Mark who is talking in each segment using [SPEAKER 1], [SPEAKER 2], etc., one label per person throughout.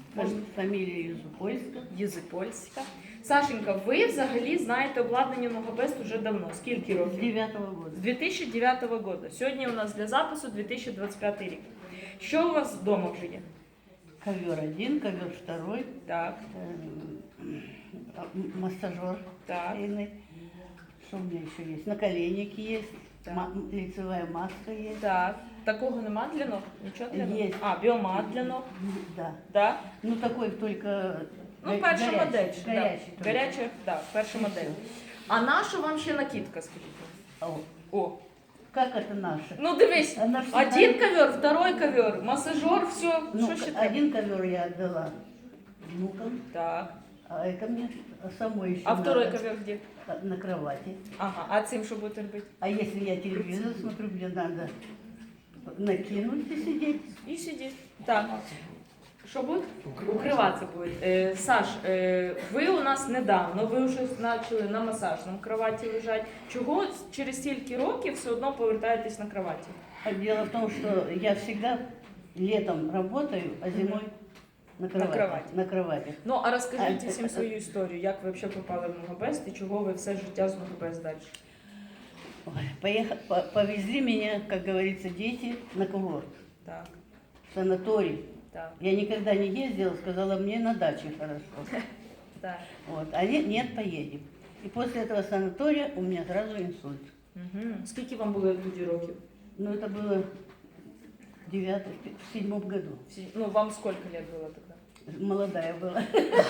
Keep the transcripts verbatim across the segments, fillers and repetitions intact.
[SPEAKER 1] Фам- Фамилия Юзупольска.
[SPEAKER 2] Єзипольська. Сашенька, ви взагалі знаєте обладнання Ногабест уже давно. Скільки
[SPEAKER 1] С
[SPEAKER 2] років?
[SPEAKER 1] девятого года.
[SPEAKER 2] З дві тисячі дев'ятого року. Сьогодні у нас для запису дві тисячі двадцять п'ятий рік. Що у вас вдома вже є?
[SPEAKER 1] Ковер один, ковер второй,
[SPEAKER 2] Так,
[SPEAKER 1] э, м- массажер
[SPEAKER 2] так,
[SPEAKER 1] шейный. Что у меня еще есть? Наколенники есть,
[SPEAKER 2] Так.
[SPEAKER 1] ма- лицевая маска есть.
[SPEAKER 2] так. Такого нема для ног? Нічого для ног?
[SPEAKER 1] Є.
[SPEAKER 2] А, біомат для ног.
[SPEAKER 1] Да.
[SPEAKER 2] Да?
[SPEAKER 1] Ну такой только
[SPEAKER 2] Ну,
[SPEAKER 1] го-
[SPEAKER 2] перша
[SPEAKER 1] горячий,
[SPEAKER 2] модель. Да.
[SPEAKER 1] горячий только.
[SPEAKER 2] Гаряча, так, перша модель. А наша вам ще накидка, скажіть?
[SPEAKER 1] О,
[SPEAKER 2] О,
[SPEAKER 1] как это наше?
[SPEAKER 2] ну дивись,
[SPEAKER 1] Она всегда-
[SPEAKER 2] один ковер, второй ковер, массажер, все,
[SPEAKER 1] Ну,
[SPEAKER 2] що ще треба?
[SPEAKER 1] один ковер я отдала внукам,
[SPEAKER 2] Так.
[SPEAKER 1] а это мне самой еще
[SPEAKER 2] А второй
[SPEAKER 1] надо.
[SPEAKER 2] ковер где?
[SPEAKER 1] На кровати.
[SPEAKER 2] Ага, а цим що будете робити?
[SPEAKER 1] А если я телевизор смотрю, мне надо накинуть и сидеть.
[SPEAKER 2] І сидіть. Так. Що буде? Укриватися буде. Е, Саш, е, ви у нас недавно, ви вже почали на масажному кроваті лежати. Чого через стільки років все одно повертаєтесь на кроваті?
[SPEAKER 1] А дело в том, что я всегда летом работаю, а зимой на кровати.
[SPEAKER 2] кровати.
[SPEAKER 1] На кровати.
[SPEAKER 2] Ну, а розкажіть
[SPEAKER 1] А,
[SPEAKER 2] всім
[SPEAKER 1] е,
[SPEAKER 2] свою історію, як ви взагалі попали в Ногабест і чого ви все життя з Ногабест далі?
[SPEAKER 1] Ой, поеха- по- повезли меня, как говорится, дети на курорт,
[SPEAKER 2] Так,
[SPEAKER 1] в санаторий.
[SPEAKER 2] так,
[SPEAKER 1] Я никогда не ездила, сказала, мне на даче хорошо.
[SPEAKER 2] так.
[SPEAKER 1] Вот. Они, нет, поедем. И после этого санатория у меня сразу инсульт.
[SPEAKER 2] Угу. Скільки вам було тоді років?
[SPEAKER 1] Ну, это было в девятом, в седьмом году.
[SPEAKER 2] Всі- Ну, вам скільки лет було тоді?
[SPEAKER 1] Молодая была.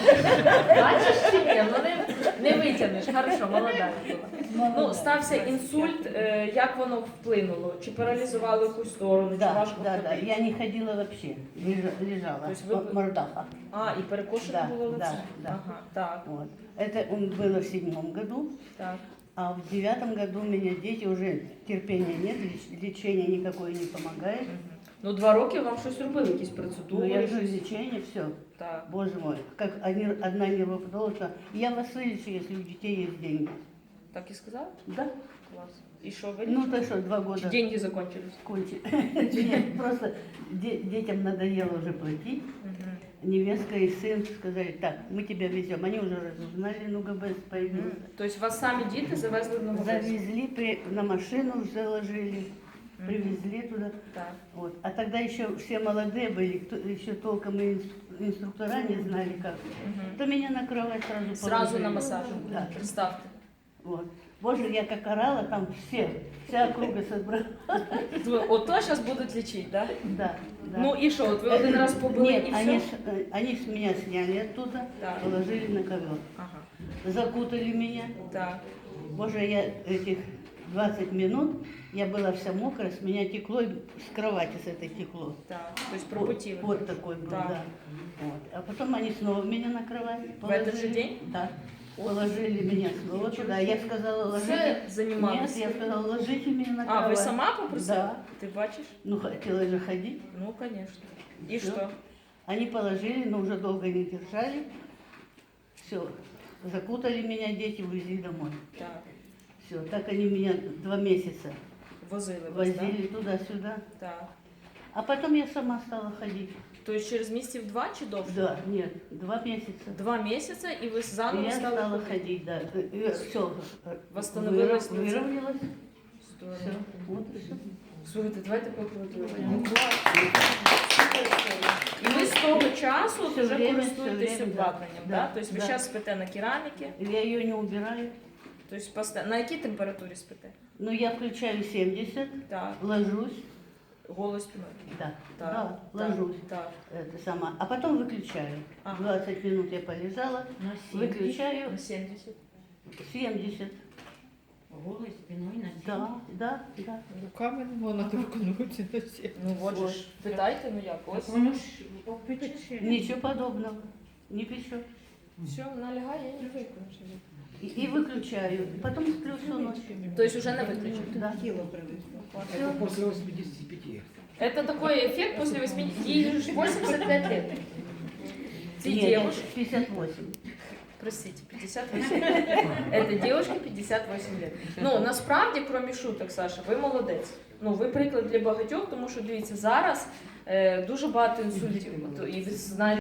[SPEAKER 2] Бачиш чи ні? Ну не, не витягнеш. Хорошо, молода була. Ну, стався інсульт, е, як воно вплинуло? Чи паралізувало якусь сторону, чи
[SPEAKER 1] Да,
[SPEAKER 2] важко
[SPEAKER 1] да, да.
[SPEAKER 2] ходити?
[SPEAKER 1] Я не ходила вообще, лежа- лежала,
[SPEAKER 2] То есть вы-
[SPEAKER 1] м- мордаха.
[SPEAKER 2] А, і перекошено
[SPEAKER 1] Да,
[SPEAKER 2] було лице?
[SPEAKER 1] да, да.
[SPEAKER 2] Ага, так,
[SPEAKER 1] Вот. Это м, было в седьмом году,
[SPEAKER 2] так.
[SPEAKER 1] а в девятом году у меня дети уже терпения нет, леч- лечение никакое не помогает.
[SPEAKER 2] Мгм. Ну, два роки вам щось робили, якісь
[SPEAKER 1] Ну,
[SPEAKER 2] процедури?
[SPEAKER 1] я же
[SPEAKER 2] щось?
[SPEAKER 1] лечение, все.
[SPEAKER 2] Так.
[SPEAKER 1] Боже мой, как они- одна нервопатологка. Я вас вылечу, если у детей есть деньги.
[SPEAKER 2] Так і сказали?
[SPEAKER 1] Да?
[SPEAKER 2] Клас. І що ви?
[SPEAKER 1] Ну, то что, два
[SPEAKER 2] Чи
[SPEAKER 1] года
[SPEAKER 2] деньги закончились?
[SPEAKER 1] кончили. Нет, просто де- детям надоело уже платить.
[SPEAKER 2] Мгм.
[SPEAKER 1] Невестка и сын сказали, так, мы тебя везем. Они уже разузнали, ну, ГБС появился.
[SPEAKER 2] Мгм. Тобто вас самі діти завезли в Ногабест?
[SPEAKER 1] Завезли, при- на машину заложили,
[SPEAKER 2] Мгм.
[SPEAKER 1] привезли туда.
[SPEAKER 2] Так.
[SPEAKER 1] Вот. А тогда еще все молодые были, кто, еще толком и инс- инструктора не знали как.
[SPEAKER 2] Мгм.
[SPEAKER 1] То меня на кровать сразу
[SPEAKER 2] Сразу
[SPEAKER 1] положили.
[SPEAKER 2] на массаж.
[SPEAKER 1] Да.
[SPEAKER 2] Представте.
[SPEAKER 1] Вот. Боже, я как орала, там все, вся округа собрала.
[SPEAKER 2] Ви- Ото зараз будуть лічити, так?
[SPEAKER 1] Да, да.
[SPEAKER 2] Ну і що, от ви один раз побили
[SPEAKER 1] Нет,
[SPEAKER 2] і
[SPEAKER 1] они,
[SPEAKER 2] все?
[SPEAKER 1] с- э, они с меня сняли оттуда,
[SPEAKER 2] Так.
[SPEAKER 1] положили на ковер.
[SPEAKER 2] Ага,
[SPEAKER 1] Закутали меня.
[SPEAKER 2] так.
[SPEAKER 1] Боже, я этих двадцать минут, я была вся мокрая, с меня текло, и с кровати с этой текло.
[SPEAKER 2] Так, тобто
[SPEAKER 1] Вот,
[SPEAKER 2] пропотіли.
[SPEAKER 1] вот такой был,
[SPEAKER 2] Так.
[SPEAKER 1] да. Вот. А потом они снова меня на кровать
[SPEAKER 2] В этот же день?
[SPEAKER 1] Да. Положили меня снова туда. Я сказала, ложите.
[SPEAKER 2] Все
[SPEAKER 1] Нет,
[SPEAKER 2] займалися.
[SPEAKER 1] я сказала, ложите меня на
[SPEAKER 2] А,
[SPEAKER 1] кровать.
[SPEAKER 2] ви сама попросила?
[SPEAKER 1] Да.
[SPEAKER 2] Ти бачиш?
[SPEAKER 1] Ну, хотела же ходить.
[SPEAKER 2] Ну, звісно. І
[SPEAKER 1] Всё.
[SPEAKER 2] що?
[SPEAKER 1] Они положили, но уже долго не держали. Все, закутали меня дети, увезли домой.
[SPEAKER 2] Так.
[SPEAKER 1] Все, так они меня два месяца
[SPEAKER 2] Возили вас,
[SPEAKER 1] возили
[SPEAKER 2] так?
[SPEAKER 1] туда-сюда.
[SPEAKER 2] Так.
[SPEAKER 1] А потом я сама стала ходить.
[SPEAKER 2] Тобто через місяців два чи довше?
[SPEAKER 1] Да, нет, два месяца.
[SPEAKER 2] Два місяці і ви
[SPEAKER 1] И
[SPEAKER 2] заново
[SPEAKER 1] я
[SPEAKER 2] стали
[SPEAKER 1] стала
[SPEAKER 2] ходити?
[SPEAKER 1] ходить, да. Все,
[SPEAKER 2] Восстановилось лице?
[SPEAKER 1] выровнялось.
[SPEAKER 2] Здорово.
[SPEAKER 1] Все, вот и все.
[SPEAKER 2] Слухайте, давайте поаплодуємо. І ви з того часу от
[SPEAKER 1] Все
[SPEAKER 2] вже
[SPEAKER 1] время,
[SPEAKER 2] користуєтесь
[SPEAKER 1] все время,
[SPEAKER 2] обладнанням,
[SPEAKER 1] да.
[SPEAKER 2] да? Тобто ви
[SPEAKER 1] Да.
[SPEAKER 2] зараз спите на кераміки,
[SPEAKER 1] Я ее не убираю.
[SPEAKER 2] тобто поста- на якій температурі спите?
[SPEAKER 1] Но я включаю семьдесят,
[SPEAKER 2] Так,
[SPEAKER 1] ложусь.
[SPEAKER 2] голос спиною.
[SPEAKER 1] Да,
[SPEAKER 2] Так,
[SPEAKER 1] да,
[SPEAKER 2] так,
[SPEAKER 1] ложусь.
[SPEAKER 2] Так.
[SPEAKER 1] Это сама. А потом выключаю.
[SPEAKER 2] Ага.
[SPEAKER 1] двадцать минут я полежала, выключаю
[SPEAKER 2] На сімдесят.
[SPEAKER 1] семьдесят.
[SPEAKER 3] Голой спиной на
[SPEAKER 1] Да, да, да.
[SPEAKER 4] Руками не можна торкнутися на всі.
[SPEAKER 2] Ну от же ж, питайте, ну як, ось.
[SPEAKER 3] Воно ж попече.
[SPEAKER 1] Ничего подобного. Не печет.
[SPEAKER 2] Все, вона лягає і не виключить.
[SPEAKER 1] И, и выключаю. И потом сплю всю ночь.
[SPEAKER 2] Тобто вже не виключить.
[SPEAKER 1] Да.
[SPEAKER 3] Тіло привезло.
[SPEAKER 5] Это после восьмидесяти пяти.
[SPEAKER 2] Это такой эффект после восьмидесяти. Ей же восемьдесят пять лет. Эти
[SPEAKER 1] Нет,
[SPEAKER 2] девушки,
[SPEAKER 1] пятьдесят восемь.
[SPEAKER 2] простите, пятьдесят восемь. Это девушки пятьдесят восемь лет. Ну, насправді, крім шуток, Саша, ви молодець. Ну, ви приклад для багатьох, тому що, дивіться, зараз е, дуже багато інсультів. І ви знаєте,